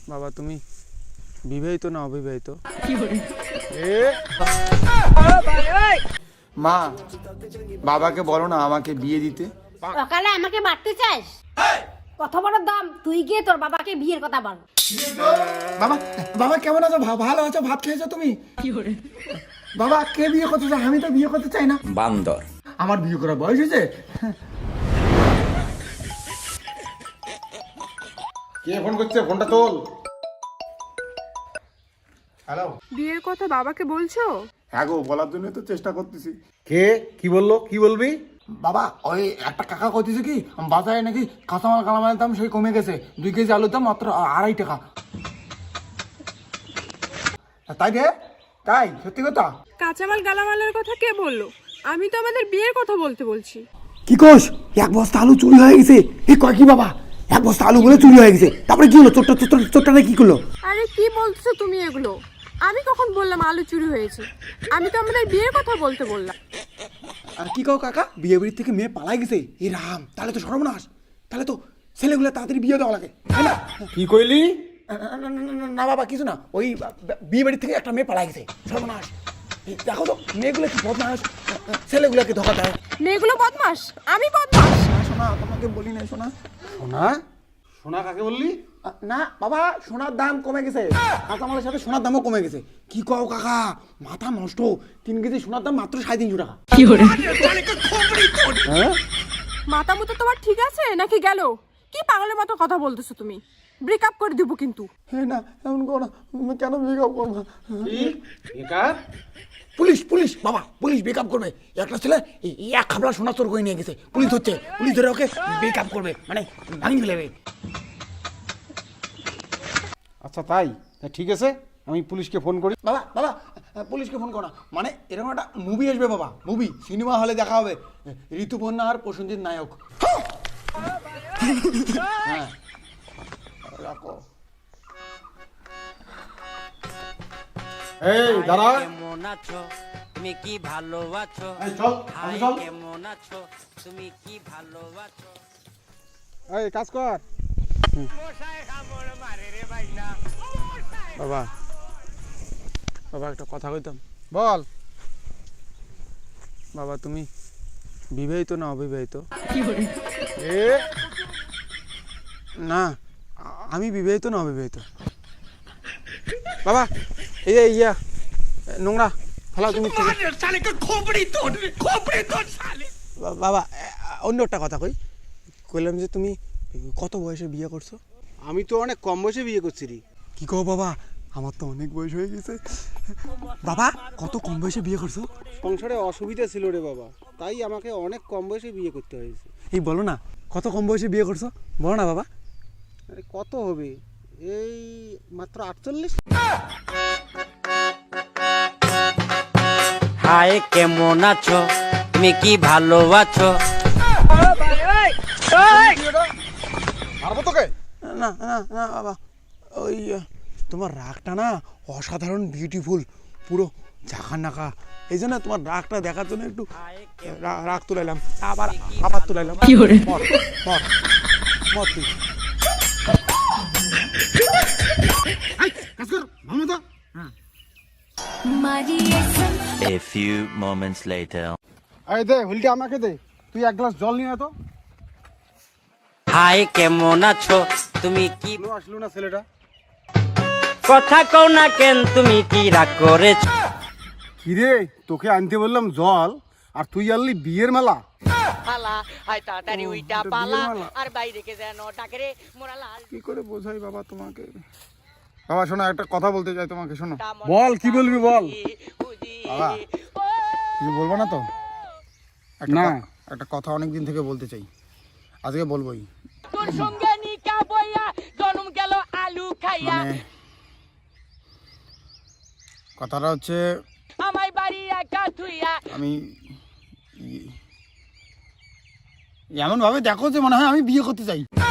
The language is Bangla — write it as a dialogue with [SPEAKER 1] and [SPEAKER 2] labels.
[SPEAKER 1] বাবা তুমি বিবাহিত না অবিবাহিত?
[SPEAKER 2] মা বাবাকে বলো না আমাকে বিয়ে দিতে।
[SPEAKER 3] সকালে আমাকে মারতে চাস? কত বড় দাম, তুই গিয়ে তোর বাবাকে বিয়ের কথা বল।
[SPEAKER 2] বাবা বাবা কেমন আছো? ভালো আছো? ভাত খেয়েছো তুমি? বাবা কে বিয়ে করতে চাই? আমি তো বিয়ে করতে চাই না।
[SPEAKER 4] বান্দর।
[SPEAKER 2] আমার বিয়ে করার বয়স হয়েছে। কে ফোন করছে? ফোনটা তোল। হ্যালো,
[SPEAKER 5] বিয়ের কথা বাবাকে বলছো?
[SPEAKER 2] হ্যাঁ গো, বলার জন্য তো চেষ্টা করতেছি।
[SPEAKER 6] কে কি বললো? কি বলবি?
[SPEAKER 2] বাবা ওই একটা কাকা কইতেছে কি বাজারে নাকি কাঁচামাল কালামালের দাম সেই কমে গেছে, 2 কেজি আলুর দাম মাত্র 2.5 টাকা। তাই রে? তাই সত্যি কথা?
[SPEAKER 5] কাঁচামাল গালামালের কথা কে বললো? আমি তো আমাদের বিয়ের কথা বলছি।
[SPEAKER 2] কি কোষ? 1 বস্তা আলু চুরি হয়ে গেছে। এই কয় কি বাবা? 1 বস্তা আলু বলে চুরি হয়ে গেছে। তারপরে কি হলো? চোরটা কি করলো?
[SPEAKER 5] আরে কি বলছো তুমি এগুলো? আমি কখন বললাম আলু চুরি হয়েছে? আমি তো আমাদের বিয়ের কথা বললাম।
[SPEAKER 2] আর কি কও কাকা? বিয়ে বাড়ির থেকে মেয়ে পালাই গেছে? এ রাম, তাহলে তো সর্বনাশ। তাহলে তো ছেলেগুলো তাড়াতাড়ি বিয়ে দেওয়া লাগে, তাই না?
[SPEAKER 6] কি কইলি?
[SPEAKER 2] না বাবা কিছু না, ওই বিয়ে বাড়ির থেকে একটা মেয়ে পালাই গেছে, সর্বনাশ। দেখো তো মেয়েগুলো কি বদমাস, ছেলেগুলোকে ধোকা দেয়।
[SPEAKER 5] মেয়েগুলো বদমাস? আমি বদমাস?
[SPEAKER 2] শোনা, তোমাকে বলি না শোনা।
[SPEAKER 6] সোনা? সোনা কাকে বললি?
[SPEAKER 2] না বাবা, সোনার দাম কমে গেছে, কাঁচামালের সাথে সোনার দামও কমে গেছে। কি কও কাকা? মাথা নষ্ট। 3 কেজি সোনার দাম মাত্র 350 টাকা।
[SPEAKER 5] মাথা মতো তোমার ঠিক আছে নাকি গেল? কি পাগলের মতো কথা বলতেছো তুমি? ব্রেকআপ করে দিব কিন্তু।
[SPEAKER 2] হ্যাঁ না, এমন করো না। কেন ব্রেকআপ করবো?
[SPEAKER 6] কি বেকার?
[SPEAKER 2] পুলিশ বাবা, পুলিশ ব্রেকআপ করবে। একটা ছেলে এক খাবলা সোনা চোর করে নিয়ে গেছে, পুলিশ হচ্ছে, পুলিশ ধরে ওকে ব্রেকআপ করবে, মানে ভাঙিয়ে ফেলবে।
[SPEAKER 6] আচ্ছা তাই? ঠিক আছে, আমি পুলিশকে ফোন করি।
[SPEAKER 2] বাবা বাবা পুলিশকে ফোন করো না, মানে এরকম একটা মুভি আসবে বাবা, মুভি সিনেমা হলে দেখা হবে, ঋতুপর্ণা আর প্রসেনজিৎ নায়ক। হ্যাঁ রাখো।
[SPEAKER 6] এই দাঁড়া।
[SPEAKER 7] কেমন আছো তুমি, কি ভালো আছো?
[SPEAKER 6] এই চল,
[SPEAKER 7] হাই
[SPEAKER 6] চল।
[SPEAKER 7] কেমন আছো তুমি, কি ভালো আছো?
[SPEAKER 6] এই কাজ কর।
[SPEAKER 1] বাবা বাবা একটা কথা কইতাম।
[SPEAKER 6] বল।
[SPEAKER 1] বাবা তুমি বিবাহিত না অবিবাহিত?
[SPEAKER 6] এ
[SPEAKER 1] না আমি বিবাহিত না অবিবাহিত। বাবা এই যে ইয়া নোংরা ফেলাও তুমি। বাবা অন্য একটা কথা কইলাম যে তুমি কত বয়সে বিয়ে করছো?
[SPEAKER 6] আমি তো অনেক কম বয়সে বিয়ে করছি রে।
[SPEAKER 1] কি কও বাবা? আমার তো অনেক বয়স হয়ে গেছে। বাবা কত কম বয়সে বিয়ে করছো?
[SPEAKER 6] সংসারে অসুবিধা ছিল রে বাবা, তাই আমাকে অনেক কম বয়সে বিয়ে করতে হয়েছে।
[SPEAKER 1] এই বলো না কত কম বয়সে বিয়ে করছো, বলো না বাবা।
[SPEAKER 6] আরে কত হবে? এই মাত্র 48।
[SPEAKER 7] হাই কেমন আছো তুমি, কি ভালো আছো?
[SPEAKER 6] মারবো তোকে?
[SPEAKER 1] না না না বাবা, ওই তোমার রাগটা না অসাধারণ বিউটিফুল, পুরো ঝাঁকা নাকা। এই জন্য তোমার রাগটা দেখার জন্য একটু রাগ তুলাইলাম, আবার তুলাইলাম। কি করে মর মর মর তুই।
[SPEAKER 4] A few moments later.
[SPEAKER 6] এই দে হুলটা আমাকে দে। তুই 1 গ্লাস জল নিয়ে আয় তো।
[SPEAKER 7] হাই কেমন আছো তুমি, কি
[SPEAKER 6] আসলো না ছেলেটা?
[SPEAKER 7] কথা কও না কেন, তুমি কি রাগ করেছো?
[SPEAKER 6] কিরে, তোকে আনতে বললাম জল আর তুই আনলি বিয়ের মেলা।
[SPEAKER 7] পালা আই তাড়াতাড়ি উইটা পালা, আর বাইরে কে যেন ডাকে রে মোরা লাল।
[SPEAKER 2] কি করে বোঝাই বাবা তোমাকে? বাবা শোনো, একটা কথা বলতে চাই তোমাকে, শোনো।
[SPEAKER 6] বল, কি বলবি বল।
[SPEAKER 2] বাবা কিছু বলবো না তো?
[SPEAKER 6] না।
[SPEAKER 2] একটা কথা অনেক দিন থেকে বলতে চাই, আজকে বলবোই।
[SPEAKER 7] তোর সঙ্গে নিকা বইয়া জন্ম গেল আলু খাইয়া,
[SPEAKER 2] মানে কথাটা হচ্ছে
[SPEAKER 7] আমায় বাড়ি একা থুইয়া।
[SPEAKER 2] আমি এমন ভাবে দেখো যে মনে হয় আমি বিয়ে করতে চাই।